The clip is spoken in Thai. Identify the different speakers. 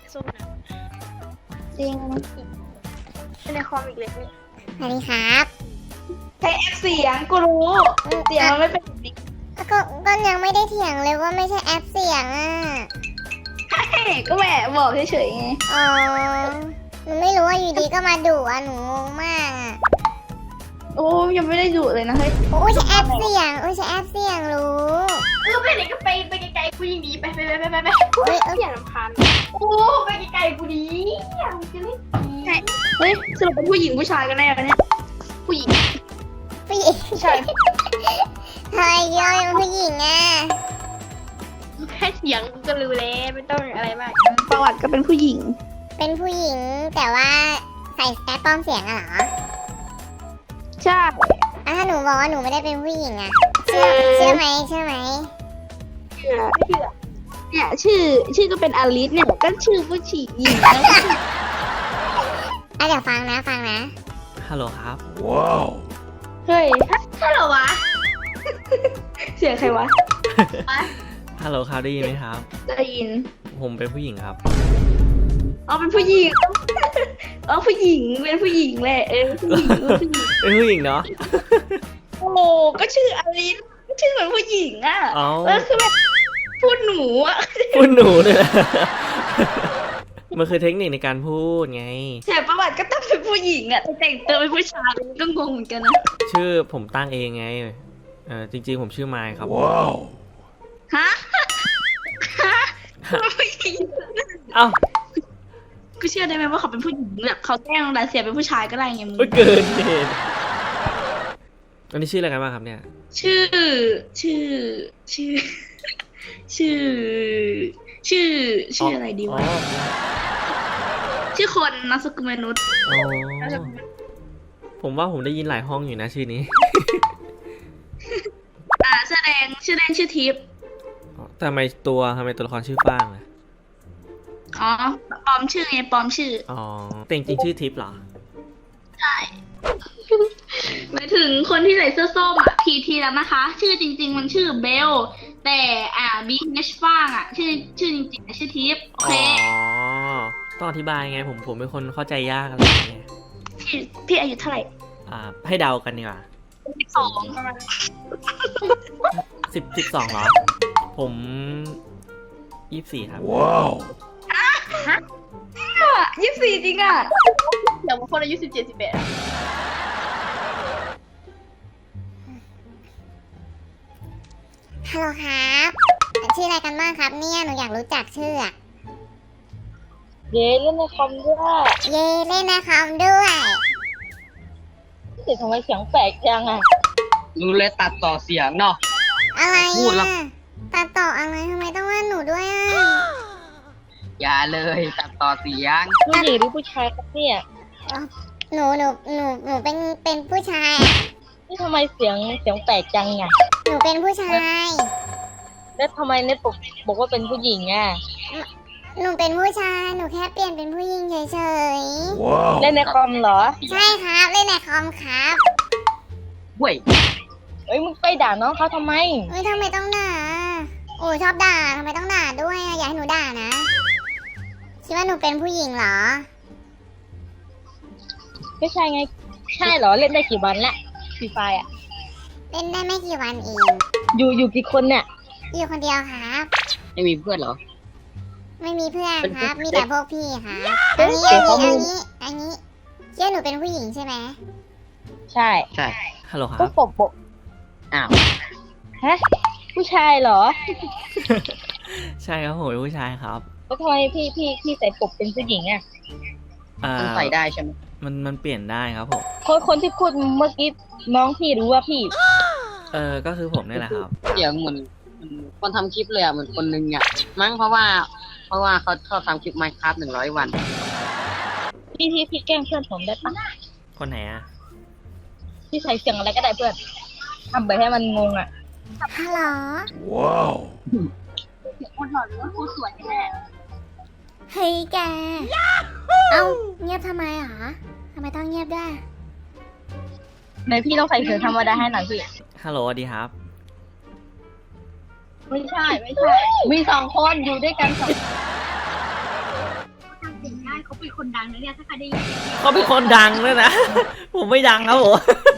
Speaker 1: สู้นะ
Speaker 2: จริง
Speaker 1: ในคอมอีกเลยนี่
Speaker 3: สวัสดีครับ
Speaker 2: ใช้แอปเสียงกูรู้เสียงมันไม่เป็นแบบนี้
Speaker 3: ก็ยังไม่ได้เถียงเลยว่าไม่ใช่แอปเสียงอ่ะ
Speaker 2: ก็แหมบอกเฉยๆไง
Speaker 3: อ๋อหนูไม่รู้ว่าอยู่ดีก็มาดุอ่ะหนูงงมากอ่ะ
Speaker 2: โอ้ยังไม่ได้ดุเลยนะเฮ้ย
Speaker 3: โอ้ยใช่แอปเสียงโอ้ยใช่แอปเสียงรู้
Speaker 1: ไปไหนก็ไปไกลๆกูยิงดีไป
Speaker 3: เฮ้ย
Speaker 1: อย่ารำคาญโอ้ไปไกลๆกูดีอยากจะเล่น
Speaker 2: ใช่เฮ้ยสรุปเป็นผู้หญิงผู้ชายกันแน่เนี่ยผู้หญิง
Speaker 3: ผู้หญิง
Speaker 2: ใช่
Speaker 3: เฮ้ยยอยเป็นผู้หญิงอ่ะ
Speaker 1: แค่เสียงกูก็รู้แล้วไม่ต้องอะไรมาก
Speaker 2: ประวัติก็เป็นผู้หญิง
Speaker 3: เป็นผู้หญิงแต่ว่าใส่แอปปลอมเสียงอะเหรอ
Speaker 2: ใช่
Speaker 3: อ่ะถ้าหนูบอกว่าหนูไม่ได้เป็นผู้หญิงอ่ะเชื่อไหม
Speaker 2: เชื่อเนี่ยชื่อก็เป็นอลิสเนี่ยก็ชื่อผู้หญิงแล้ว
Speaker 3: อ่ะเดี๋ยวฟังนะ
Speaker 4: ฮัลโหลครับ
Speaker 2: เฮ้ย
Speaker 1: ถ้าเหรอวะ
Speaker 2: เสียงใครวะ
Speaker 4: ฮัลโหลครับได้ยินไหมครับ
Speaker 2: ได้ยิน
Speaker 4: ผมเป็นผู้หญิงครับ
Speaker 2: อ๋อเป็นผู้หญิงอ๋อผู้หญิงเป็นผู้หญิงแหละผู้หญิง
Speaker 4: เป็นผู้หญิงเนาะ
Speaker 2: โอ้ก็ชื่ออลิสชื่อเหมือนผู้หญิงอ่ะ
Speaker 4: เอ้า
Speaker 2: แล้วคือแบบพูดหนูอ่ะ
Speaker 4: พูดหนูเลยนะมันคือเทคนิคในการพูดไง
Speaker 2: แต่ประวัติก็ต้องเป็นผู้หญิงอ่ะแต่แต่งตัวเป็นผู้ชายก็งงเหมือนกันนะ
Speaker 4: ชื่อผมตั้งเองไงจริงๆผมชื่อไมค์ครับ
Speaker 2: ฮะผู้หญิง
Speaker 4: เอ้า
Speaker 2: กูเชื่อได้ไหมว่าเขาเป็นผู้หญิงแบบเขาแกล้งดาเซียเป็นผู้ชายก็ได้ไงมึง
Speaker 4: เกินเหตุอันนี้ชื่ออะไรกันบ้างครับเนี่ย
Speaker 2: ชื่ออะไรดี
Speaker 4: อ๋อ
Speaker 2: วะชื่อคนนามสกุลมนุษย์
Speaker 4: อ๋อผมว่าผมได้ยินหลายห้องอยู่นะชื่อนี้
Speaker 2: แสดงชื่อเล่นชื่อทิพย์
Speaker 4: อ๋อทำไมตัวละครชื่อฟ้างล่ะ
Speaker 2: อ๋อปลอมชื่อไงปลอมชื่อ
Speaker 4: อ๋อแต่จริงๆชื่อทิพย์เหรอ
Speaker 2: ใช่หมายถึงคนที่ใส่เสื้อส้มอ่ะทีแล้วนะคะ ชื่อจริง ๆ มันชื่อเบลแต่BH ฟ้างอ่ะชื่อจริงๆชื่อทิพย์โอ
Speaker 4: อ๋
Speaker 2: เค
Speaker 4: อต้องอธิบายไงผมเป็นคนเข้าใจยากอะไรอย่างเงี้ย
Speaker 2: พี่อายุเท่าไหร่
Speaker 4: ให้เดากันดีกว่า
Speaker 2: 12ประมาณ
Speaker 4: 12เหรอ ผม24ครับ
Speaker 2: 24จริงอ่ะ
Speaker 1: เดี๋ยวบางคนอายุ17-18
Speaker 3: ฮัลโหลครับชื่ออะไรกันบ้างครับเนี่ยหนูอยากรู้จักชื่ออะ
Speaker 2: เย้เล่นในคอมด้วย
Speaker 3: เย่เล่นในคอมด้วย
Speaker 2: เสียงทำไมเสียงแปลกจังอ่ะ
Speaker 5: รู้เลยตัดต่อเสียงเนาะ
Speaker 3: อะไร
Speaker 5: พูดแล้ว
Speaker 3: อ่ะตัดต่ออะไรทำไมต้องว่าหนูด้วยอ่ะ
Speaker 5: อย่าเลยตัดต่อเสียง
Speaker 2: ผู้หญิงหรือผู้ชายครับเนี่ย
Speaker 3: หนูเป็นผู้ชายอะ
Speaker 2: นี่ทำไมเสียงแปลกจังอ่ะ
Speaker 3: หนูเป็นผู้ชาย
Speaker 2: แล้วทำไมเน็ตบอกว่าเป็นผู้หญิงอ่ะ
Speaker 3: หนูเป็นผู้ชายหนูแค่เปลี่ยนเป็นผู้หญิงเฉย
Speaker 2: เล่นในคอมเหรอ
Speaker 3: ๆใช่ครับเล่นในคอมครับ
Speaker 5: เว้ย
Speaker 2: เอ้ยมึงไปด่าน้องเขาทำไม
Speaker 3: เฮ้ยทำไมต้องด่าโอ้ยชอบด่าทำไมต้องด่าด้วยอะอย่าให้หนูด่านะคิดว่าหนูเป็นผู้หญิงเหรอ
Speaker 2: ไม่ใช่ไง ใช่เหรอ เล่นได้กี่วันละฟรีไฟอ่ะ
Speaker 3: เล่นได้ไม่กี่วันเอง
Speaker 2: อยู่กี่คนเนี่ย
Speaker 3: อยู่คนเดียวครับ
Speaker 5: ไม่มีเพื่อนเหรอ
Speaker 3: ไม่มีเพื่อนครับ มีแต่พวกพี่ครับ
Speaker 2: เฮ้
Speaker 3: อัน
Speaker 2: ย
Speaker 3: นี้
Speaker 2: เดี๋ยวเขามี
Speaker 3: คิดว่าหนูเป็นผู้หญิงใช่ไหม
Speaker 2: ใช่
Speaker 5: ใช่
Speaker 4: ฮัลโหลค
Speaker 2: ก็
Speaker 4: รับ
Speaker 2: ปก
Speaker 5: อ้าว
Speaker 2: ฮะ ผู้ชายเหรอ
Speaker 4: ใช่ครับผมเป็นผู้ชายครับ
Speaker 2: แล้วทำไมพี่ใส่ปกเป็นผู้หญิงอ่ะ
Speaker 5: มันใส่ได้ใช่ไหม
Speaker 4: มันเปลี่ยนได้ครับผม
Speaker 2: คนที่พูดเมื่อกี้น้องพี่รู้ว่าพี่
Speaker 4: ก็คือผมนี่แหละครับ
Speaker 5: เสียงเหมือนคนทำคลิปเลยอ่ะเหมือนคนนึงอ่ะมั้งเพราะว่าเขาชอบทำคลิป Minecraft 100 วัน
Speaker 2: พี่แกล้งเพื่อนผมได้ปะ
Speaker 4: คนไหนอะ
Speaker 2: พี่ใส่เสียงอะไรก็ได้เพื่อนทำไปให้มันงงอ่ะ
Speaker 3: ฮัลโหล
Speaker 1: คนหล่อหรือว่าผู้สวยแน่
Speaker 3: เฮ้ยแก เอ้าเงียบทำไมหรอทำไมต้องเงียบด้วย
Speaker 2: ในพี่ต้องใส่เสียงธรรมดาให้หน่อยพี่
Speaker 4: ฮัลโหลสวัสดีครับ
Speaker 2: ไม่ใช่ มี2 คนอยู่ด้วยกันเขาเป็นคนดังนะเนี่ยถ้าใครได้ยิน
Speaker 4: เขาเป็นคนดังด้วยนะ ผมไม่ดังครับผม